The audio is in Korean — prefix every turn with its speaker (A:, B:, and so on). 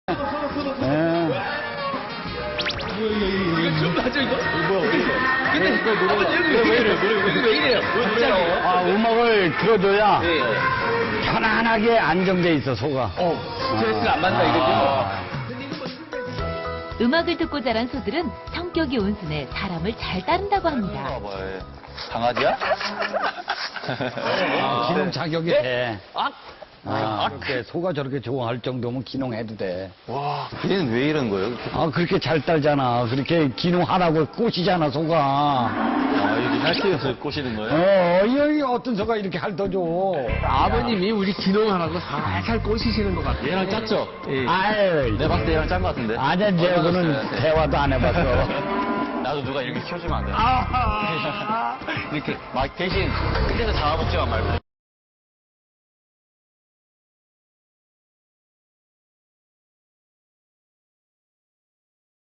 A: 이거 좀 나죠, 이거? 뭐야, 근데, 왜 이래요? 갑자기.
B: 아, 음악을 들어줘야
A: 네.
B: 편안하게 안정돼 있어, 소가.
A: 스트레스를 안 받는다, 이거죠?
C: 음악을 듣고 자란 소들은 성격이 온순해 사람을 잘 따른다고 합니다.
A: 강아지야?
B: 기농 자격이 돼.
A: 아,
B: 그렇게 소가 저렇게 좋아할 정도면 기농해도 돼.
A: 와, 얘는 왜 이런 거예요?
B: 그렇게 잘 딸잖아. 그렇게 기농하라고 꼬시잖아, 소가.
A: 여기 할때에서 꼬시는 거예요?
B: 여기 어떤 소가 이렇게 핥아줘.
D: 아버님이 우리 기농하라고 살살 꼬시시는 것 같아요.
A: 얘랑 짰죠?
B: 아유,
A: 내가 봤을 때 얘랑 짠 거 같은데?
B: 아니야, 내하고는 대화도 안 해봤어.
A: 나도 누가 이렇게 키워주면 안 돼? 이렇게 막 대신 끝에서 잡아먹지만 말고.